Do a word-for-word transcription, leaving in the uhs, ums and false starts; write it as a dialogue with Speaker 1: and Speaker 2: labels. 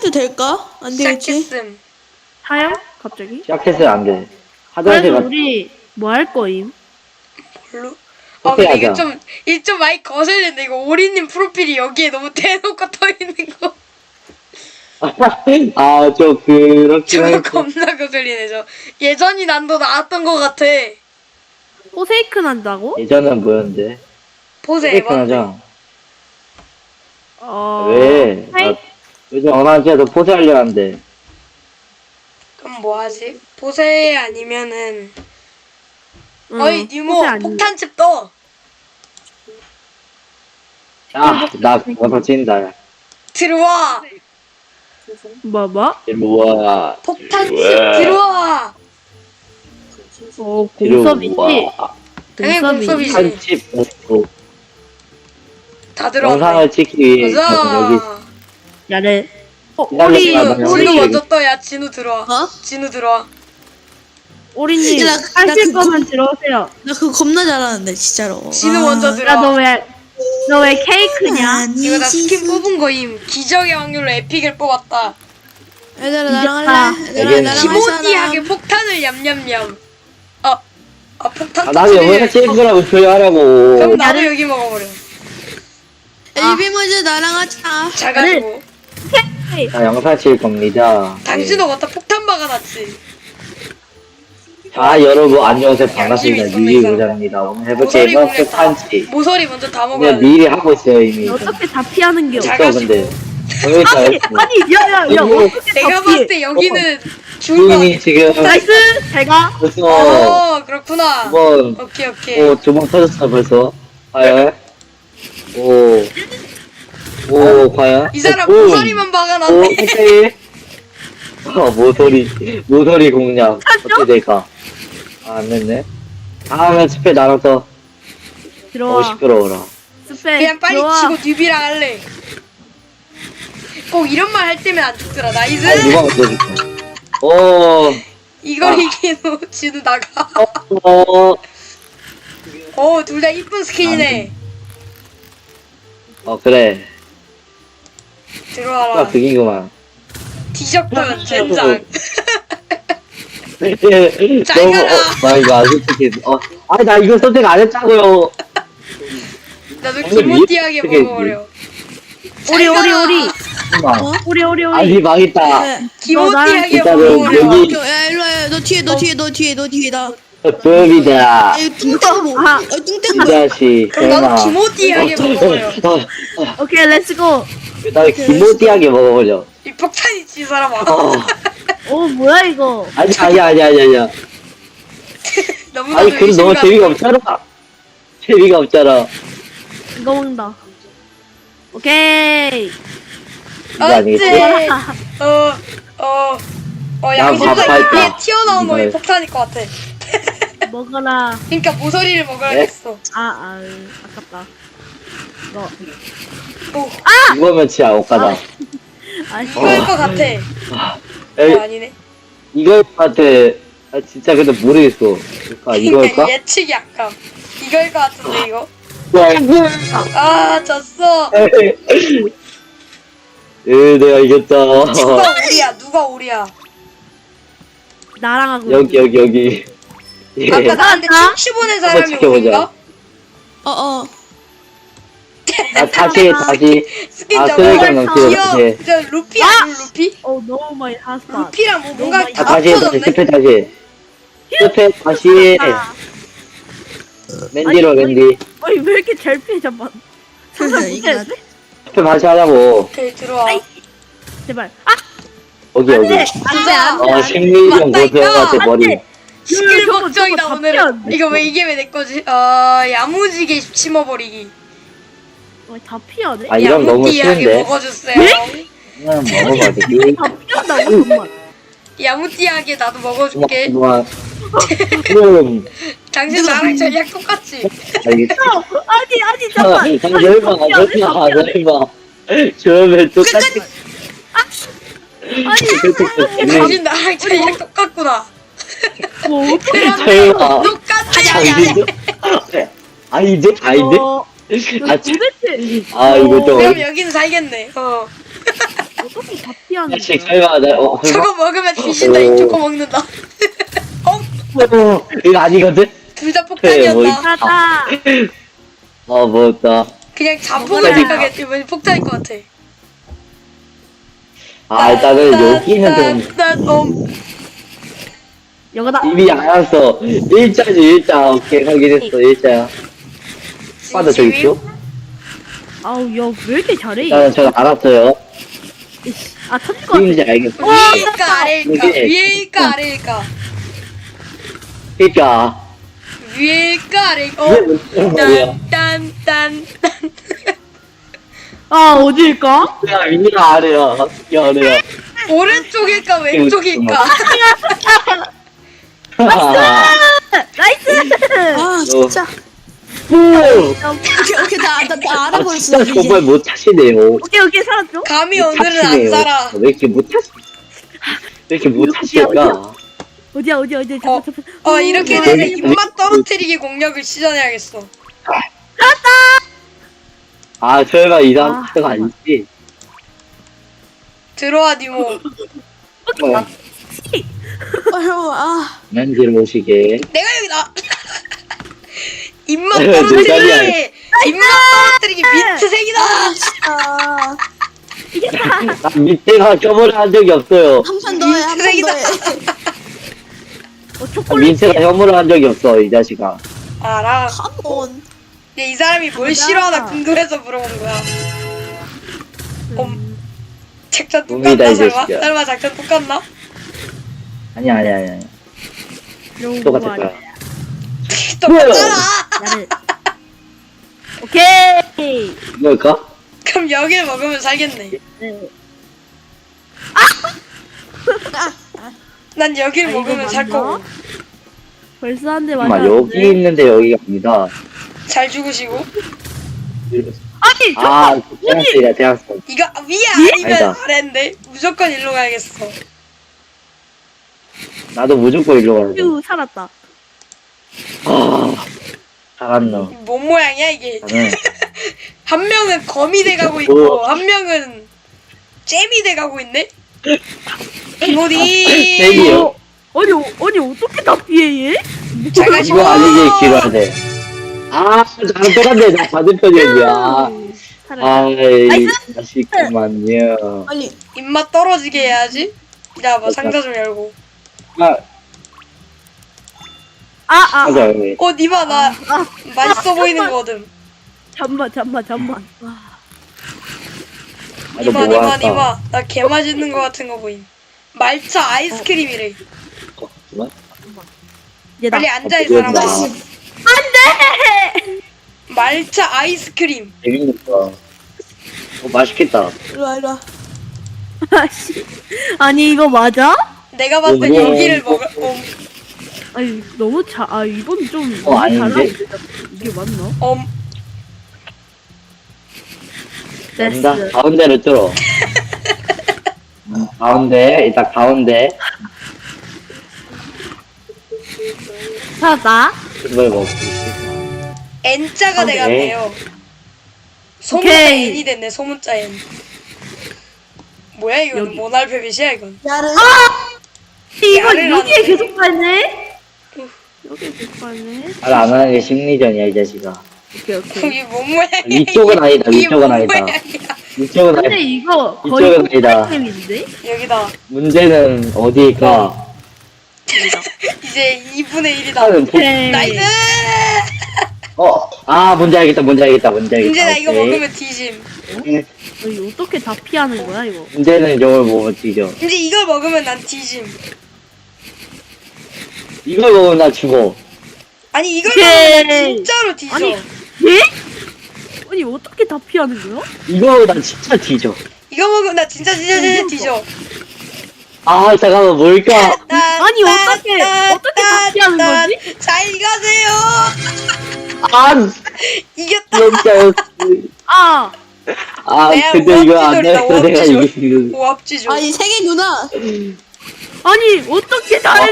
Speaker 1: 시작해도 될까? 안 되겠지?
Speaker 2: 시작했음.
Speaker 3: 사요? 갑자기?
Speaker 4: 시작했어요 안 돼.
Speaker 3: 그래서
Speaker 4: 화장실 가.
Speaker 3: 우리 뭐 할 거임?
Speaker 2: 별로. 아
Speaker 4: 오케이,
Speaker 2: 근데 이거
Speaker 4: 하자.
Speaker 2: 좀 이 좀 많이 거슬리는데 이거 오리님 프로필이 여기에 너무 대놓고 떠 있는 거.
Speaker 4: 아저 그렇긴
Speaker 2: 저거
Speaker 4: 할
Speaker 2: 겁나 거슬리네 저. 예전이 난도 나왔던 것 같아.
Speaker 3: 포세이크 난다고?
Speaker 4: 예전은 뭐였는데?
Speaker 2: 보세
Speaker 4: 페이크
Speaker 2: 에반.
Speaker 4: 하자.
Speaker 3: 어...
Speaker 4: 왜?
Speaker 3: 하이-
Speaker 4: 나 요즘 어나한테도 포즈하려 하는데.
Speaker 2: 그럼 뭐 하지? 보세 아니면은
Speaker 3: 응,
Speaker 2: 어이 니모
Speaker 3: 포세 아니-
Speaker 2: 폭탄집 떠.
Speaker 4: 야, 나 먼저 친다.
Speaker 2: 들어와.
Speaker 3: 뭐 뭐?
Speaker 4: 들어와.
Speaker 2: 폭탄집
Speaker 4: 들어와.
Speaker 2: 들어와.
Speaker 3: 어 공섭이지?
Speaker 2: 당연히
Speaker 3: 공섭이지?
Speaker 2: 공섭이지.
Speaker 4: 한집 먹고
Speaker 2: 다 들어와.
Speaker 4: 영상을 찍기 위해 여기
Speaker 2: 가자.
Speaker 3: 야래 어
Speaker 4: 기다려,
Speaker 3: 오리
Speaker 4: 기다려.
Speaker 2: 진우
Speaker 3: 오리
Speaker 2: 먼저 떠야 진우 들어와.
Speaker 1: 어?
Speaker 2: 진우 들어와.
Speaker 3: 오리님
Speaker 1: 야, 나- 나
Speaker 3: 하실
Speaker 1: 그거-
Speaker 3: 거면 들어오세요.
Speaker 1: 나 그거 겁나 잘하는데 진짜로.
Speaker 2: 진우
Speaker 1: 아,
Speaker 2: 먼저 들어와.
Speaker 3: 야 너 왜 너 왜 케이크냐?
Speaker 2: 이거 나
Speaker 1: 아니지.
Speaker 2: 스킨 뽑은 거임. 기적의 확률로 에픽을 뽑았다.
Speaker 1: 얘들아 나랑
Speaker 3: 이겼다.
Speaker 1: 할래? 얘들아
Speaker 4: 얘는
Speaker 1: 나랑 할
Speaker 2: 기모띠하게
Speaker 1: 사람.
Speaker 2: 폭탄을 얌얌얌. 아, 아 폭탄
Speaker 4: 아, 나도 영상
Speaker 2: 터트리네.
Speaker 4: 찍은 거라고
Speaker 2: 그럼
Speaker 4: 조용하라고.
Speaker 2: 나도 여기 먹어버려.
Speaker 1: 엘비 먼저 나랑 하자.
Speaker 2: 잘 가지고.
Speaker 4: 자, 영상 찍을 겁니다.
Speaker 2: 당신도 갖다 폭탄 박아놨지.
Speaker 4: 자, 여러분 안녕하세요. 반갑습니다.
Speaker 2: 양심이
Speaker 4: 유리
Speaker 2: 있었네,
Speaker 4: 부장입니다. 오늘 해볼
Speaker 2: 모서리
Speaker 4: 게임은
Speaker 2: 공략 다.
Speaker 4: 폭탄치.
Speaker 2: 모서리 먼저 다 먹어야
Speaker 4: 그냥
Speaker 2: 돼.
Speaker 4: 미리 하고 있어요 이미.
Speaker 3: 어떻게 다 피하는 겨?
Speaker 2: 잘
Speaker 4: 없어
Speaker 2: 가시고.
Speaker 4: 근데. 여기 다
Speaker 3: 아니
Speaker 4: 했어.
Speaker 3: 아니 야야야
Speaker 4: 이거
Speaker 3: 어떻게
Speaker 2: 내가
Speaker 3: 다
Speaker 2: 봤을
Speaker 3: 피해?
Speaker 2: 때 여기는 죽을 것
Speaker 4: 주인이 지금
Speaker 2: 같아.
Speaker 3: 나이스 잘가.
Speaker 4: 벌써
Speaker 2: 어, 그렇구나.
Speaker 4: 두번
Speaker 2: 오케이, 오케이.
Speaker 4: 오, 두 번 터졌어 벌써. 과연? 오. 오, 과연?
Speaker 2: 이 사람
Speaker 4: 오,
Speaker 2: 모서리만
Speaker 4: 오,
Speaker 2: 박아놨네.
Speaker 4: 오케이. 어, 모서리, 모서리 공략. 어떻게 될까? 아, 안 됐네. 다음에 스페 나눠서. 어,
Speaker 3: 들어와.
Speaker 4: 시끄러워라.
Speaker 3: 스페
Speaker 2: 그냥 빨리
Speaker 3: 들어와.
Speaker 2: 치고 뉴비랑 할래. 꼭 이런 말 할 때면 안 죽더라. 나이스.
Speaker 4: 아, 누가 먼저 줄까? 오,
Speaker 2: 이걸
Speaker 4: 아.
Speaker 2: 이기노 진우 나가.
Speaker 4: 어,
Speaker 2: 어, 둘 다 이쁜 스킨이네.
Speaker 4: 어, 그래.
Speaker 2: 들어와라.
Speaker 4: 아, 그긴구만.
Speaker 2: 뒤적던 젠장. 잘
Speaker 4: 너무,
Speaker 2: 가라.
Speaker 4: 어, 나 이거 안 솔직히, 어, 아니, 나 이거 선택 안 했다고요.
Speaker 2: 나도
Speaker 4: 오늘
Speaker 2: 기모띠하게
Speaker 4: 어떻게
Speaker 2: 먹어버려.
Speaker 3: 오리 오리 오리
Speaker 4: 잠깐만.
Speaker 1: 어?
Speaker 3: 오리 오리 오리.
Speaker 4: 아니, 망했다.
Speaker 1: 네.
Speaker 2: 기모띠하게
Speaker 4: 일단은
Speaker 2: 먹어버려.
Speaker 4: 여기-
Speaker 1: 야 일로 와. 너 뒤에 너 뒤에 너 뒤에 너 뒤에 나.
Speaker 4: 뜸이다.
Speaker 1: 아 이거 뚱땡 뭐?
Speaker 3: 아.
Speaker 1: 어 뚱땡
Speaker 4: 이
Speaker 1: 뭐?
Speaker 4: 자식,
Speaker 2: 그럼
Speaker 4: 설마.
Speaker 2: 나도 기모띠하게 먹어버려.
Speaker 4: 어, 어,
Speaker 3: 오케이 렛츠고.
Speaker 4: 나 기모띠하게 먹어버려.
Speaker 2: 이 폭탄 있지 이 사람아.
Speaker 4: 어.
Speaker 3: 오 뭐야 이거?
Speaker 4: 아니, 아니, 아니, 아니, 아니.
Speaker 2: 너무나도
Speaker 4: 아니, 그럼 너무
Speaker 2: 의심가.
Speaker 4: 재미가 없잖아. 재미가 없잖아.
Speaker 3: 이거 먹는다. 오케이.
Speaker 4: 이거 아니겠지?
Speaker 2: 어째? 어, 어, 어, 양심상
Speaker 4: 밥할
Speaker 2: 입에
Speaker 4: 거야.
Speaker 2: 튀어나온 놈이
Speaker 4: 이거요.
Speaker 2: 폭탄일 것 같아.
Speaker 3: 먹어라.
Speaker 2: 그러니까 모서리를 먹어야겠어.
Speaker 3: 아, 아, 아깝다. 이거.
Speaker 2: 오,
Speaker 4: 이거면 진짜 옷가다.
Speaker 3: 아, 씨.
Speaker 2: 이거일 것 같아.
Speaker 4: 에이,
Speaker 2: 어, 아니네.
Speaker 4: 이걸 것 같아. 아, 진짜 근데 모르겠어. 아, 이걸까?
Speaker 2: 그러니까 예측이 약간. 이거일 것 같은데 이거.
Speaker 4: 와,
Speaker 2: 아, 졌어.
Speaker 4: 에, 내가 이겼다.
Speaker 2: 누가 오리야? 누가 오리야?
Speaker 3: 나랑 하고.
Speaker 4: 여기, 여기, 여기. 예.
Speaker 2: 아까 나한테 춤추 보낸 사람이
Speaker 4: 지켜보자.
Speaker 2: 오리인가?
Speaker 1: 어 어.
Speaker 4: 아, 다시, 다시.
Speaker 2: 스킨
Speaker 4: 아,
Speaker 2: 저거
Speaker 4: 쓰레기장 넘치다,
Speaker 2: 귀여워.
Speaker 4: 다시.
Speaker 2: 저 루피 아니야 루피?
Speaker 3: 어, 너무 많이 샀어.
Speaker 2: 루피랑 뭐 뭔가
Speaker 3: 너무
Speaker 4: 아,
Speaker 2: 다
Speaker 4: 다시, 다시,
Speaker 2: 합쳐졌네.
Speaker 4: 스페 다시. 스페 다시. 맨디로, 맨디.
Speaker 3: 어이, 왜 이렇게 잘 피해, 잠깐.
Speaker 1: 그래 이거 나.
Speaker 4: 스페 다시 하자고.
Speaker 2: 오케이 들어와.
Speaker 3: 아이. 제발. 아!
Speaker 4: 여기, 여기.
Speaker 3: 안 돼! 안 돼, 안 돼.
Speaker 4: 어, 심리적
Speaker 2: 맞다,
Speaker 4: 고등한테
Speaker 2: 이거.
Speaker 4: 머리.
Speaker 2: 시킬
Speaker 3: 저거,
Speaker 2: 걱정이다
Speaker 3: 저거 다
Speaker 2: 오늘은.
Speaker 3: 피하는데,
Speaker 2: 이거 왜
Speaker 3: 저거.
Speaker 2: 이게 왜 내 거지? 어 야무지게 심어버리기.
Speaker 3: 어, 다 피하네?
Speaker 4: 아, 이런 너무
Speaker 2: 야무띠하게
Speaker 4: 쉬운데.
Speaker 2: 먹어주세요.
Speaker 4: 그냥 먹어봐, 되게.
Speaker 3: 다 피한다고, 정말.
Speaker 2: 야무띠하게 나도 먹어줄게.
Speaker 4: 그만. 그럼,
Speaker 2: 당신 나랑 전략 똑같지?
Speaker 4: 알겠어.
Speaker 3: 어, 아니, 아니,
Speaker 4: 아,
Speaker 3: 잠깐.
Speaker 4: 설마, 설마, 설마. 저러면 똑같이.
Speaker 3: 아니,
Speaker 2: 당신 나랑 전략 똑같구나.
Speaker 3: 뭐,
Speaker 2: 그러면
Speaker 4: 설마.
Speaker 2: 똑같아.
Speaker 4: 아니죠? 아, 이제? 아, 이제?
Speaker 3: 어,
Speaker 4: 아,
Speaker 3: 도대체
Speaker 4: 아, 이거 좀.
Speaker 2: 그럼 여기는 살겠네. 어.
Speaker 3: 어떻게 다 피하 피하는
Speaker 4: 자식
Speaker 3: 거야?
Speaker 4: 설마 나 어, 설마
Speaker 2: 저거 먹으면 뒤진다.
Speaker 4: 오.
Speaker 2: 이 초코 먹는다. 어?
Speaker 4: 어, 이거 아니거든?
Speaker 2: 둘 다
Speaker 4: 그래, 뭐
Speaker 2: 폭탄이었다.
Speaker 3: 가자.
Speaker 4: 어 뭐였다.
Speaker 2: 그냥 자폭을
Speaker 3: 먹어라.
Speaker 2: 생각했지. 왜 폭탄일 것 같아.
Speaker 4: 아 일단은 여기는 좀
Speaker 2: 난, 어,
Speaker 3: 여기다.
Speaker 4: 이미 알았어. 일자지 일자. 오케이 확인했어 일자야. 빠져 저기 있죠?
Speaker 3: 아우 야 왜 이렇게 잘해?
Speaker 4: 일단은 저는 알았어요.
Speaker 3: 이씨, 아 터질 것 같아.
Speaker 4: 누군지 알겠어.
Speaker 2: 위일까 아래일까?
Speaker 4: 이게-
Speaker 2: 위일까 아래일까?
Speaker 4: 그니까.
Speaker 2: 위일까 아래일까?
Speaker 4: 이게
Speaker 2: 어?
Speaker 4: 무슨 말이야.
Speaker 2: 딴딴딴
Speaker 3: 아 어디일까?
Speaker 4: 야 위가 아래야. 야 아래야.
Speaker 2: 오른쪽일까 왼쪽일까?
Speaker 3: 나이스.
Speaker 1: 아 진짜.
Speaker 4: 오.
Speaker 1: 오케이 오케이 나나 나
Speaker 4: 아,
Speaker 1: 알아버렸어.
Speaker 4: 진짜
Speaker 1: 이제.
Speaker 4: 정말 못 차시네요.
Speaker 3: 오케이 오케이 살았죠?
Speaker 2: 감히
Speaker 4: 못
Speaker 2: 오늘은 안
Speaker 4: 차시네요.
Speaker 2: 살아.
Speaker 4: 왜 이렇게 못 차시? 왜 이렇게 못 차실까?
Speaker 3: 어디야 어디야 어디야.
Speaker 2: 어,
Speaker 3: 잠깐 잠깐.
Speaker 2: 어 이렇게
Speaker 4: 어,
Speaker 2: 되면
Speaker 4: 여기-
Speaker 2: 입맛 떨어뜨리기 공략을 시전해야겠어.
Speaker 4: 아 설마 이상
Speaker 3: 아,
Speaker 4: 가 아니지?
Speaker 2: 들어와 니모.
Speaker 4: 어,
Speaker 1: 아 형, 아
Speaker 4: 난지를 모시게.
Speaker 2: 내가 여기다. 입맛
Speaker 4: 내 자리야.
Speaker 2: 떨어뜨리기. 입맛 떨어뜨리기 민트색이다.
Speaker 1: 아,
Speaker 3: 이겼다.
Speaker 4: 나 밑에가 혐오를 한 적이 없어요.
Speaker 1: 한 판 더 해, 한 판 더
Speaker 2: 민트색이다.
Speaker 1: 해.
Speaker 3: 어
Speaker 4: 나
Speaker 3: 초콜릿.
Speaker 4: 민트가 혐오를 한 적이 없어 이 자식아.
Speaker 2: 알아.
Speaker 1: 컴온.
Speaker 2: 얘 이 사람이 뭘
Speaker 3: 가자.
Speaker 2: 싫어하나 궁금해서 물어본 거야.
Speaker 3: 음,
Speaker 2: 작전
Speaker 4: 놈이다,
Speaker 2: 똑같나
Speaker 4: 이
Speaker 2: 설마?
Speaker 4: 자식이야.
Speaker 2: 설마 작전 똑같나?
Speaker 4: 아니야 아니야 아니야.
Speaker 3: 이런
Speaker 4: 똑같을
Speaker 3: 거
Speaker 4: 거야.
Speaker 3: 아니야.
Speaker 2: 똑같잖아.
Speaker 3: 나를. 오케이.
Speaker 4: 뭘까?
Speaker 2: 그럼 여기를 먹으면 살겠네.
Speaker 3: 네.
Speaker 2: 난 여기를
Speaker 3: 아, 이거
Speaker 2: 먹으면 살
Speaker 3: 맞나?
Speaker 2: 거고.
Speaker 3: 벌써 한 대
Speaker 4: 잠깐만
Speaker 3: 맞았는데.
Speaker 4: 여기 있는데 여기가 아니다.
Speaker 2: 잘 죽으시고.
Speaker 3: 아니 저
Speaker 4: 아 대학생이다 대학생.
Speaker 2: 이거 위에 아니면
Speaker 4: 아니다.
Speaker 2: 아래인데 무조건 일로 가야겠어.
Speaker 4: 나도 무조건 일로 가야 돼.
Speaker 3: 휴 살았다.
Speaker 4: 아 잘한다.
Speaker 2: 뭔 모양이야 이게?
Speaker 4: 나는
Speaker 2: 한 명은 거미 돼가고 있고 한 명은 잼이 돼가고 있네. 이모디.
Speaker 4: 잼이요?
Speaker 3: 아니 어, 아니 어떻게 다 피해 얘?
Speaker 2: 잘 가시고.
Speaker 4: 이거 아니지 길어야 돼. 아 나랑 똑같네. 나 반대편이야.
Speaker 3: 살았다.
Speaker 4: 아이 자식만요.
Speaker 1: 빨리.
Speaker 2: 입맛 떨어지게 해야지. 야, 뭐 상자 좀 열고.
Speaker 4: 아
Speaker 3: 아아
Speaker 4: 맞아 여기.
Speaker 2: 어, 니마 나
Speaker 3: 아,
Speaker 2: 맛있어
Speaker 3: 아,
Speaker 2: 보이는
Speaker 3: 잠깐만.
Speaker 2: 거거든.
Speaker 3: 잠만 잠만 잠만. 와.
Speaker 4: 나도
Speaker 2: 니마
Speaker 4: 뭐
Speaker 2: 니마
Speaker 4: 할까?
Speaker 2: 니마 나 개 맛있는 거 같은 거 보임. 말차 아이스크림이래.
Speaker 4: 어, 잠깐만.
Speaker 3: 얘다.
Speaker 2: 빨리 앉아 이
Speaker 4: 어,
Speaker 2: 사람아.
Speaker 1: 나이스.
Speaker 2: 말차 아이스크림.
Speaker 4: 재밌겠다. 어 맛있겠다.
Speaker 1: 이리 와 이리 와.
Speaker 3: 아씨. 아니 이거 맞아?
Speaker 2: 내가 봤을 땐
Speaker 4: 어, 뭐,
Speaker 2: 여기를
Speaker 4: 뭐.
Speaker 2: 먹을. 어,
Speaker 3: 아니 너무 자. 아 이건 좀
Speaker 4: 어,
Speaker 3: 너무
Speaker 4: 아닌데?
Speaker 3: 달라. 이게 맞나?
Speaker 2: 엄.
Speaker 4: 된다.
Speaker 3: 됐어.
Speaker 4: 가운데를 뚫어. 음, 가운데 일단 가운데
Speaker 3: 살았다.
Speaker 4: 그걸 먹고.
Speaker 2: N자가
Speaker 4: 오케이.
Speaker 2: 돼갔네요. 소문자
Speaker 3: 오케이.
Speaker 2: N이 됐네. 소문자 N. 뭐야 이건
Speaker 3: 여기.
Speaker 2: 모날페빗이야 이건.
Speaker 1: 야를.
Speaker 3: 이거
Speaker 2: 야를
Speaker 3: 여기에
Speaker 2: 하는데.
Speaker 3: 계속 갈네? 여기에 계속 갈네?
Speaker 4: 말안 하는 게 심리전이야 이 자식아.
Speaker 3: 오케이 오케이.
Speaker 2: 이게 뭔 모양이야?
Speaker 4: 위쪽은 아니다,
Speaker 2: 이게
Speaker 4: 위쪽은
Speaker 2: 뭔
Speaker 4: 아니다.
Speaker 2: 모양이야?
Speaker 4: 이쪽은
Speaker 3: 근데
Speaker 4: 아니,
Speaker 3: 이거 거의
Speaker 4: 이쪽은 아니다.
Speaker 3: 폭발템인데?
Speaker 2: 여기다.
Speaker 4: 문제는 어디일까?
Speaker 2: 이제 이분의 일이다.
Speaker 4: 하는 보...
Speaker 3: 오케이.
Speaker 2: 나이스!
Speaker 4: 어, 아 뭔지 알겠다, 뭔지 알겠다, 뭔지 알겠다.
Speaker 2: 이제 나 이거
Speaker 4: 오케이.
Speaker 2: 먹으면 뒤짐.
Speaker 3: 아니, 어떻게 다 피하는 거야 이거?
Speaker 4: 문제는 이걸 먹으면 뒤져.
Speaker 2: 이제 이걸 먹으면 난 뒤짐.
Speaker 4: 이걸 먹으면 나 죽어.
Speaker 2: 아니 이걸
Speaker 3: 오케이.
Speaker 2: 먹으면 난 진짜로 뒤져.
Speaker 3: 아니 예? 아니 어떻게 다 피하는 거야?
Speaker 4: 이거 먹으면 나 진짜 뒤져.
Speaker 2: 이거 먹으면 나 진짜 진짜 진짜 뒤져.
Speaker 4: 아 잠깐만 뭘까?
Speaker 3: 아니, 어떻게- 어떻게 다 피하는 거지?
Speaker 2: 잘 가세요.
Speaker 4: 아
Speaker 2: 이겼다.
Speaker 4: 진짜였어.
Speaker 3: 아
Speaker 4: 아
Speaker 2: 내가
Speaker 4: 근데 이거 안
Speaker 2: 오합지졸이다,
Speaker 4: 됐어 내가
Speaker 2: 오합지졸.
Speaker 4: 이기는.
Speaker 2: 오합지죠.
Speaker 1: 아니 세계 누나.
Speaker 3: 아니 어떻게 다